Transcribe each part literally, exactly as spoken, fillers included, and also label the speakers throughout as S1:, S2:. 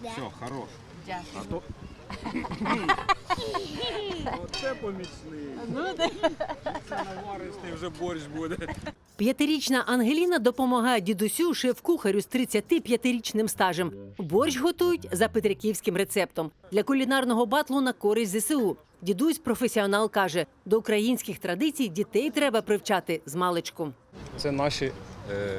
S1: Все, хорош.
S2: Дякую.
S1: А то... Оце помічний. Це наваристий вже борщ буде.
S3: П'ятирічна Ангеліна допомагає дідусю шеф-кухарю з тридцятип'ятирічним стажем. Борщ готують за петриківським рецептом. Для кулінарного батлу на користь зе се у. Дідусь професіонал каже, до українських традицій дітей треба привчати з маличку.
S1: Це наші е,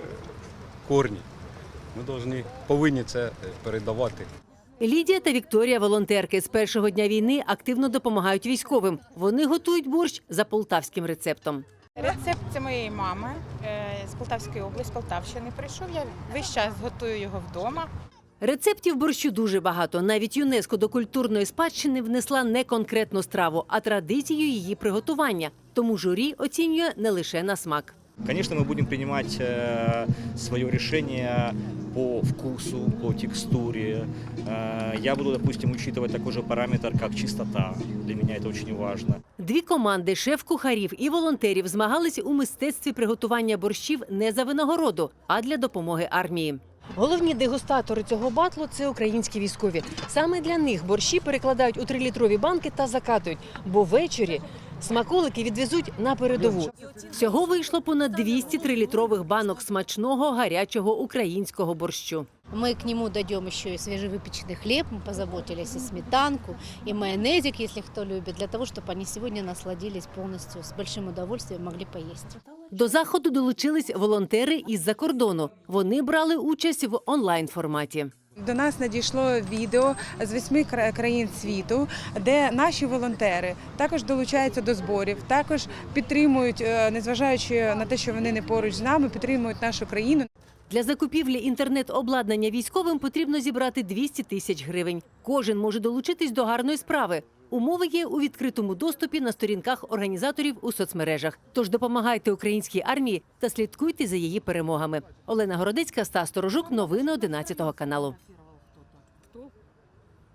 S1: корні. Ми повинні, повинні це передавати.
S3: Лідія та Вікторія – волонтерки. З першого дня війни активно допомагають військовим. Вони готують борщ за полтавським рецептом.
S4: Рецепт – це моєї мами з Полтавської області, з Полтавщини прийшов. Я весь час готую його вдома.
S3: Рецептів борщу дуже багато. Навіть ЮНЕСКО до культурної спадщини внесла не конкретну страву, а традицію її приготування. Тому журі оцінює не лише на смак.
S5: Конечно, мы будем принимать э, свое решение по вкусу, по текстуре. Э, я буду, допустим, учитывать такой же параметр, как чистота. Для меня это очень важно.
S3: Дві команди шеф-кухарів і волонтерів змагались у мистецтві приготування борщів не за винагороду, а для допомоги армії. Головні дегустатори цього батлу – це українські військові. Саме для них борщі перекладають у трилітрові банки та закатують, бо ввечері смаколики відвезуть на передову. Всього вийшло понад двісті трилітрових банок смачного гарячого українського борщу.
S2: Мы к нему дойдем еще и свежевыпеченный хлеб, мы позаботились и сметанку, и майонезик, если кто любит, для того, чтобы они сегодня насладились полностью, с большим удовольствием могли поесть.
S3: До заходу долучились волонтери із-за кордону. Вони брали участь в онлайн-форматі.
S6: До нас надійшло відео з восьми країн світу, де наші волонтери також долучаються до зборів, також підтримують, незважаючи на те, що вони не поруч з нами, підтримують нашу країну.
S3: Для закупівлі інтернет-обладнання військовим потрібно зібрати двісті тисяч гривень. Кожен може долучитись до гарної справи. Умови є у відкритому доступі на сторінках організаторів у соцмережах. Тож допомагайте українській армії та слідкуйте за її перемогами. Олена Городецька, Стас Сторожук. Новини одинадцятого каналу.